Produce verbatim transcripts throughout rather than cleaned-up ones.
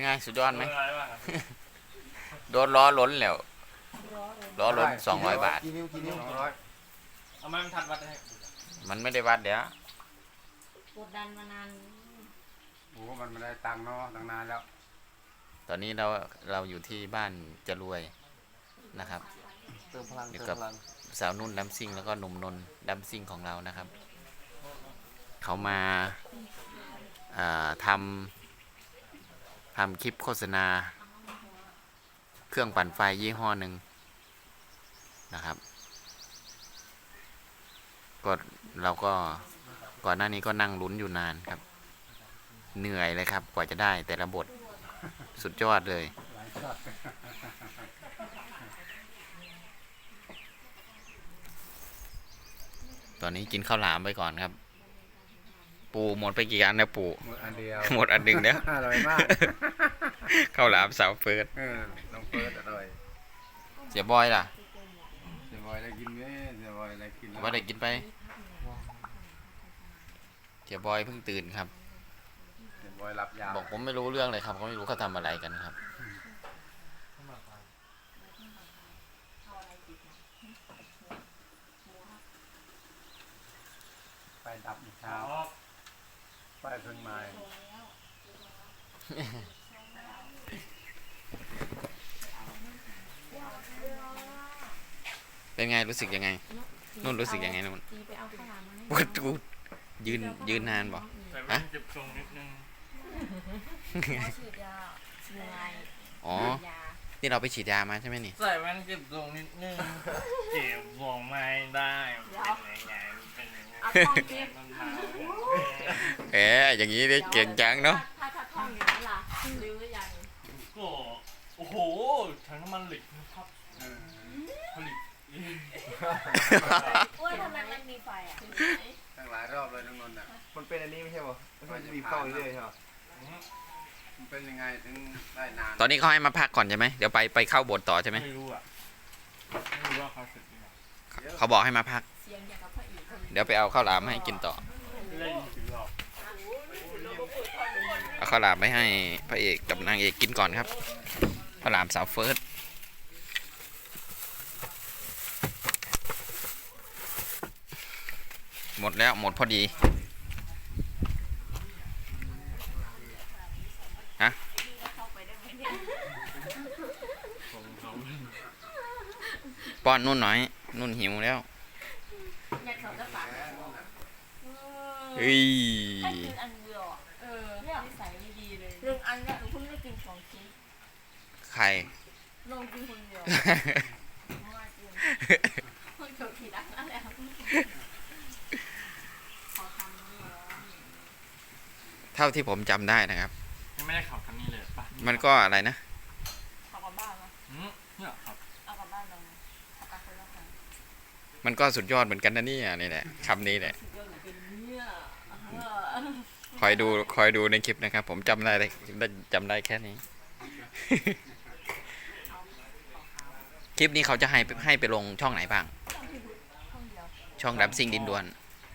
ไงสุดยอดไหมโดนล้อล้นแล้วล้อล้นสองร้อยบาทกี่นิ้วกี่นิ้วร้อยเอามันทัดวัดให้มันไม่ได้วัดเดี๋ยวกดดันมานานโอ้มันไม่ได้ตังค์เนาะตั้งนานแล้วตอนนี้เราเราอยู่ที่บ้านจะรวยนะครับเติมพลังอยู่กับสาวนุ่นดัมซิ่งแล้วก็หนุ่มนนดัมซิ่งของเรานะครับเขามาทำทำคลิปโฆษณาเครื่องปั่นไฟยี่ห้อหนึ่งนะครับก็เราก็ก่อนหน้านี้ก็นั่งลุ้นอยู่นานครับเหนื่อยเลยครับกว่าจะได้แต่ละบทสุดยอดเลยตอนนี้กินข้าวหลามไปก่อนครับปูหมดไปกี่อันนะปูหมดอันเดียวหมดอันหนึ่งเนี้ยอร่อยมากข้าวหลามสาวเฟิร์สเออน้องเฟิร์สอร่อยเสียบอยล่ะเสียบอยได้กินไหมเสียบอยได้กินว่าได้กินไปเสียบอยเพิ่งตื่นครับเสียบอยรับยาบอกผมไม่รู้เรื่องเลยครับเขาไม่รู้เขาทำอะไรกันครับไฟดับอีกเช้าไฟเพิ่งมาเป็นไงรู้สึกยังไงนุ่นรู้สึกยังไงนุ่นปวดกูยืนยืนนานบ่ฮะอ๋อนี่เราไปฉีดยามาใช่ไหมนี่ใส่แว่นเก็บทรงนิดนึงเก็บทรงไม่ได้เป็นยังไงเป็นยังไงเอ๊ะอย่างนี้ได้เก่งจังเนาะถ้าถ้าท่องอย่างนั้นล่ะรู้หรือยังก็โอ้โหถังน้ำมันเหล็กนะครับผลิตว่าทำไมมันมีไฟอ่ะตั้งหลายรอบเลยน้องนนท์อ่ะมันเป็นอันนี้ไม่ใช่ป่ะมันจะมีเข้าเรื่อยๆใช่ป่ะมันเป็นยังไงถึงได้นานตอนนี้เขาให้มาพักก่อนใช่ไหมเดี๋ยวไปไปเข้าบทต่อใช่ไหมไม่รู้อ่ะไม่รู้ว่าเขาสึกยังไงเขาบอกให้มาพักเดี๋ยวไปเอาข้าวหลามให้กินต่อเอาข้าวหลามไปให้พระเอกกับนางเอกกินก่อนครับข้าวหลามสาวเฟิร์สหมดแล้วหมดพอดีฮะป้อนนุ่นหน่อยนุ่นหิวแล้วเฮ้ยอันเดียวเออเนี่ยนิสัยไม่ดีเลยหนึ่งอันเนี่ยหนูเพิ่งได้กินสองชิ้นใครลงกินคนเดียวคนเดียวกี่ดังนั่นแหละเท่าที่ผมจำได้นะครับไม่ได้ขับคันนี้เลยป่ะมันก็อะไรนะขับกลับบ้านนะเนี่ยครับเอากลับบ้านเราขับกลับคนละคันมันก็สุดยอดเหมือนกันนะนี่นี่แหละคำนี้แหละคอยดูคอยดูในคลิปนะครับผมจำได้จำได้แค่นี้ คลิปนี้เขาจะให้ให้ไปลงช่องไหนบ้างช่องดับซิ่งดินดวน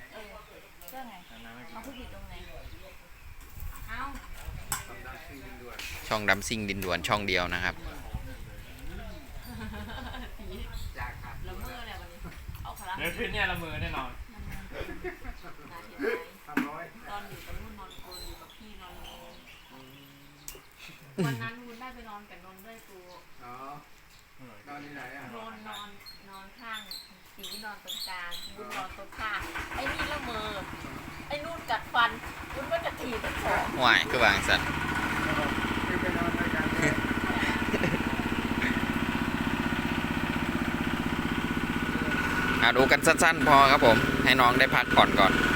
ช่องดับซิ่งดินดวนช่องเดียวนะครับเดี๋ยวคืนนี้ละมือแน่นอนตอนอยู่กับนุ่นนอนโกนอยู่กับพี่นอนโกนวันนั้นนุ่นได้ไปนอนกับนนด้วยกูอ๋อนอนที่ไหนอ่ะนอนนอนนอนข้างสีนอนตรงกลางนุ่นนอนตรงข้างไอ้นี่ละเมอไอ้นุ่นกัดฟันนุ่นก็จะถีบทั้งสองห่วยคือวางสันดูกันสั้นๆพอครับผมให้น้องได้พักก่อนก่อน